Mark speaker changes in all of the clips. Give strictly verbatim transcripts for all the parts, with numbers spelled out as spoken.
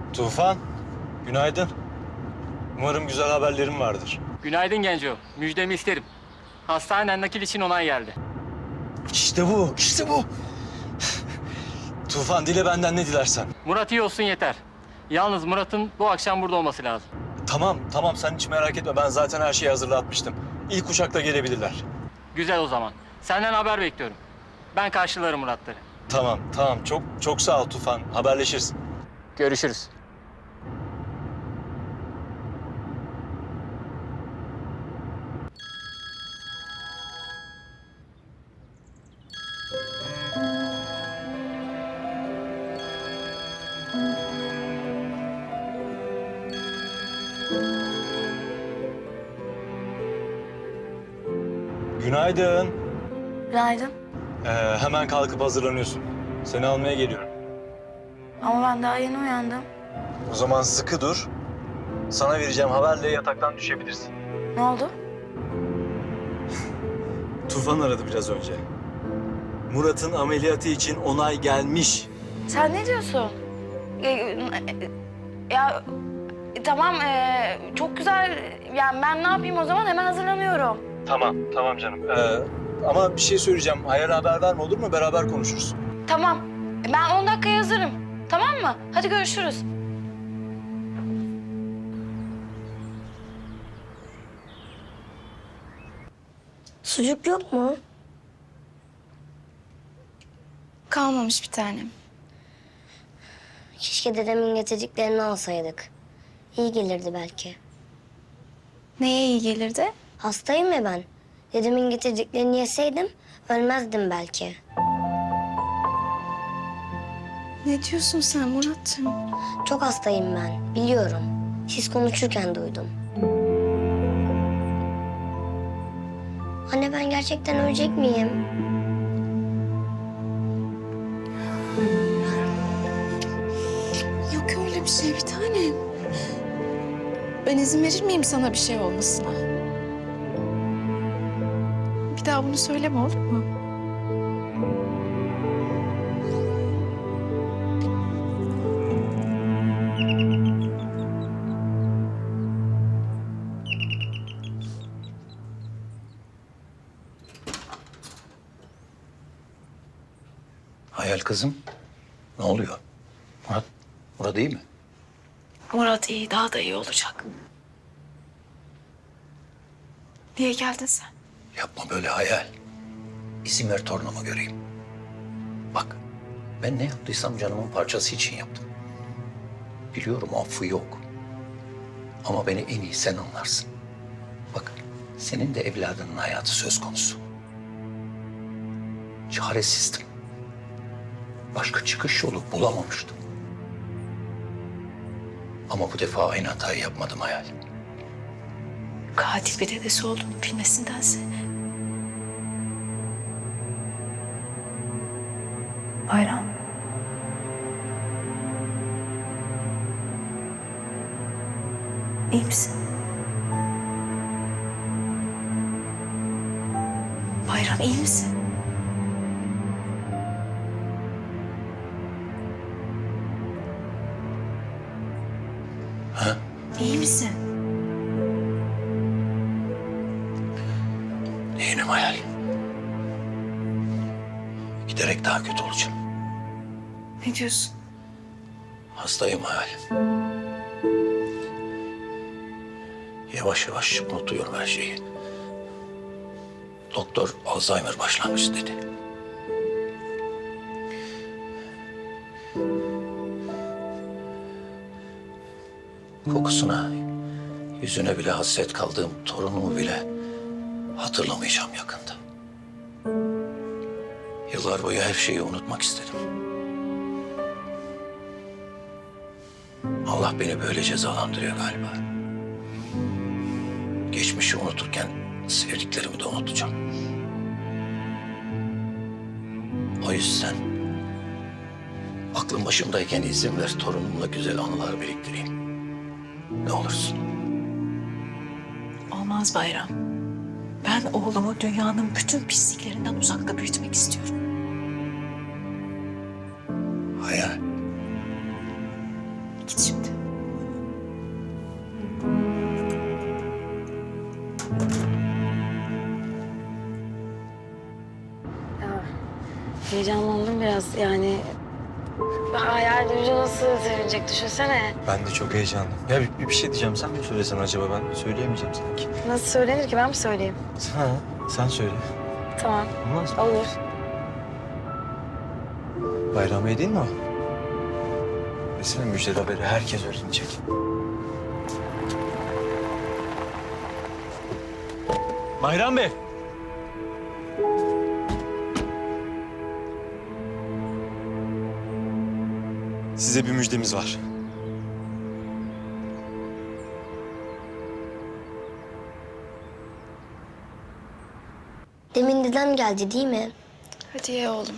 Speaker 1: Tufan, günaydın. Umarım güzel haberlerim vardır.
Speaker 2: Günaydın Genco. Müjdemi isterim. Hastaneden nakil için onay geldi.
Speaker 1: İşte bu, işte bu. Tufan, dile benden ne dilersen.
Speaker 2: Murat iyi olsun yeter. Yalnız Murat'ın bu akşam burada olması lazım.
Speaker 1: Tamam, tamam sen hiç merak etme. Ben zaten her şeyi hazırlatmıştım. İlk uçakla gelebilirler.
Speaker 2: Güzel o zaman. Senden haber bekliyorum. Ben karşılarım Murat'ları.
Speaker 1: Tamam, tamam. Çok çok sağ ol Tufan. Haberleşiriz.
Speaker 2: Görüşürüz.
Speaker 1: Günaydın.
Speaker 3: Günaydın.
Speaker 1: Ee, hemen kalkıp hazırlanıyorsun. Seni almaya geliyorum.
Speaker 3: Ama ben daha yeni uyandım.
Speaker 1: O zaman sıkı dur. Sana vereceğim haberle yataktan düşebilirsin.
Speaker 3: Ne oldu?
Speaker 1: Tufan aradı biraz önce. Murat'ın ameliyatı için onay gelmiş.
Speaker 3: Sen ne diyorsun? Ya, ya tamam ee, çok güzel. Yani ben ne yapayım o zaman? Hemen hazırlanıyorum.
Speaker 1: Tamam, tamam canım. Ee, ama bir şey söyleyeceğim. Hayal haber verme olur mu? Beraber konuşuruz.
Speaker 3: Tamam. Ben on dakikaya hazırım. Tamam mı? Hadi görüşürüz.
Speaker 4: Sucuk yok mu?
Speaker 3: Kalmamış bir tanem.
Speaker 4: Keşke dedemin getirdiklerini alsaydık. İyi gelirdi belki.
Speaker 3: Neye iyi gelirdi?
Speaker 4: Hastayım ya ben. Dedemin getirdiklerini yeseydim ölmezdim belki.
Speaker 3: Ne diyorsun sen Murat'cığım?
Speaker 4: Çok hastayım ben, biliyorum. Siz konuşurken duydum. Anne ben gerçekten ölecek miyim?
Speaker 5: Yok öyle bir şey bir tanem. Ben izin verir miyim sana bir şey olmasına? Bir daha bunu söyleme olur mu?
Speaker 6: Hayal kızım, ne oluyor? Murat, Murat iyi mi?
Speaker 5: Murat iyi, daha da iyi olacak. Niye geldin sen?
Speaker 6: Yapma böyle Hayal. İzin ver torunumu göreyim. Bak, ben ne yaptıysam canımın parçası için yaptım. Biliyorum affı yok. Ama beni en iyi sen anlarsın. Bak, senin de evladının hayatı söz konusu. Çaresizdim. Başka çıkış yolu bulamamıştım. Ama bu defa aynı hatayı yapmadım Hayal.
Speaker 5: Katil bir dedesi olduğunu bilmesindense. Bayram. İyi misin? Bayram iyi misin?
Speaker 6: Ha?
Speaker 5: İyi misin?
Speaker 6: Değilim Hayal. Giderek daha kötü olacağım.
Speaker 5: Ne diyorsun?
Speaker 6: Hastayım Hayal. Yavaş yavaş unutuyorum her şeyi. Doktor Alzheimer başlamış dedi. Kokusuna, yüzüne bile hasret kaldığım torunumu bile hatırlamayacağım yakında. Yıllar boyu her şeyi unutmak istedim. Allah beni böyle cezalandırıyor galiba. Geçmişi unuturken sevdiklerimi de unutacağım. O yüzden aklım başımdayken izin ver torunumla güzel anılar biriktireyim. Ne olursun.
Speaker 5: Olmaz Bayram. Ben oğlumu dünyanın bütün pisliklerinden uzakta büyütmek istiyorum.
Speaker 6: Hayal.
Speaker 5: Git şimdi.
Speaker 3: Heyecanlandım biraz yani. Hayal duyunca nasıl sevinecek düşünsene.
Speaker 1: Ben de çok heyecanlıyım. Ya bir, bir şey diyeceğim. Sen mi söylesen acaba? Ben söyleyemeyeceğim sanki.
Speaker 3: Nasıl söylenir ki, ben mi söyleyeyim?
Speaker 1: Ha, sen söyle.
Speaker 3: Tamam,
Speaker 1: Olmaz mı?
Speaker 3: olur.
Speaker 1: Bayramiye değil mi o? Mesela müjdeli haberi herkes öğrenecek. Bayram Bey. Size bir müjdemiz var.
Speaker 4: Demin dedem geldi değil mi?
Speaker 3: Hadi ye oğlum.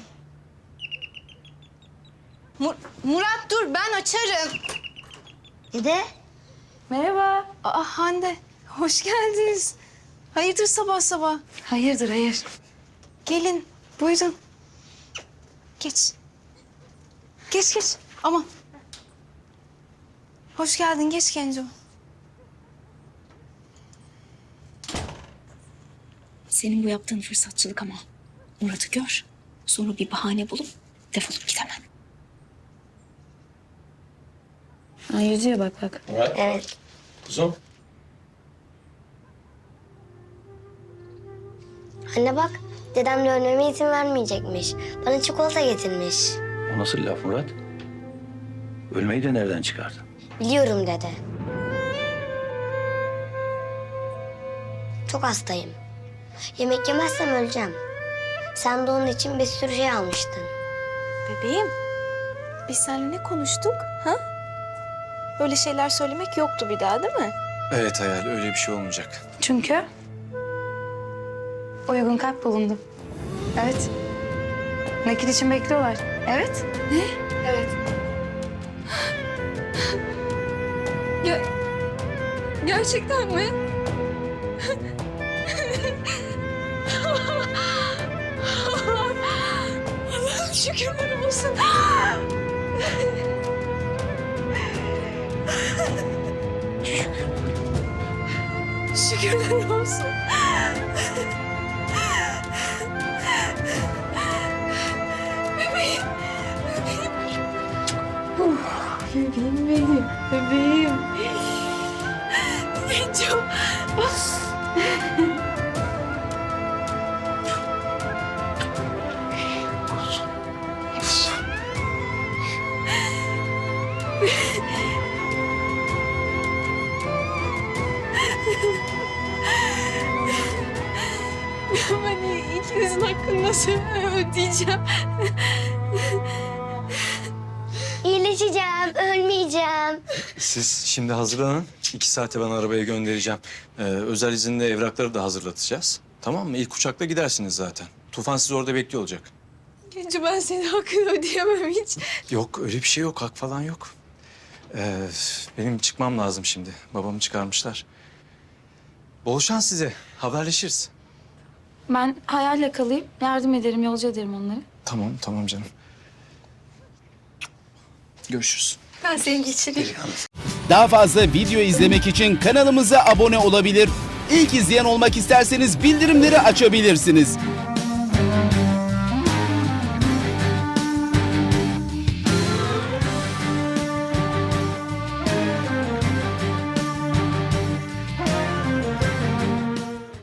Speaker 7: Mur- Murat dur, ben açarım.
Speaker 4: Dede.
Speaker 7: Merhaba. Aa Hande, hoş geldiniz. Hayırdır sabah sabah?
Speaker 3: Hayırdır, hayır.
Speaker 7: Gelin, buyurun. Geç. Geç geç, aman. Hoş geldin, geç Genco.
Speaker 5: Senin bu yaptığın fırsatçılık ama. Murat'ı gör. Sonra bir bahane bulup defolup git hemen.
Speaker 3: Ha, yüzüyor bak bak.
Speaker 4: Evet.
Speaker 1: Kuzum.
Speaker 4: Anne bak, dedem dönmeme izin vermeyecekmiş. Bana çikolata getirmiş.
Speaker 6: O nasıl laf Murat? Ölmeyi de nereden çıkardın?
Speaker 4: Biliyorum dede. Çok hastayım. Yemek yemezsem öleceğim. Sen de onun için bir sürü şey almıştın.
Speaker 7: Bebeğim, biz seninle ne konuştuk, ha? Böyle şeyler söylemek yoktu bir daha, değil mi?
Speaker 1: Evet Hayal, öyle bir şey olmayacak.
Speaker 3: Çünkü uygun kalp bulundu. Evet. Nakil için bekliyorlar. Evet.
Speaker 7: Ne?
Speaker 3: Evet.
Speaker 7: Ya, gerçekten mi? Allah'ım şükürler olsun. Şükürler olsun. Bebeğim, bebeğim. Bebeğim benim, bebeğim. Genco. Ben ikinizin hakkını nasıl ödeyeceğim?
Speaker 4: İyileşeceğim, ölmeyeceğim.
Speaker 1: Siz şimdi hazırlanın. İki saate ben arabaya göndereceğim. Ee, özel izinle evrakları da hazırlatacağız. Tamam mı? İlk uçakla gidersiniz zaten. Tufan sizi orada bekliyor olacak.
Speaker 7: Genco, ben senin hakkını ödeyemem hiç.
Speaker 1: Yok, öyle bir şey yok. Hak falan yok. Ee, benim çıkmam lazım şimdi. Babamı çıkarmışlar. Bol şans size. Haberleşiriz.
Speaker 3: Ben hayalle kalayım. Yardım ederim, yolcu ederim onları.
Speaker 1: Tamam, tamam canım. Görüşürüz.
Speaker 7: Ben seni geçireyim.
Speaker 8: Daha fazla video izlemek için kanalımıza abone olabilir. İlk izleyen olmak isterseniz bildirimleri açabilirsiniz.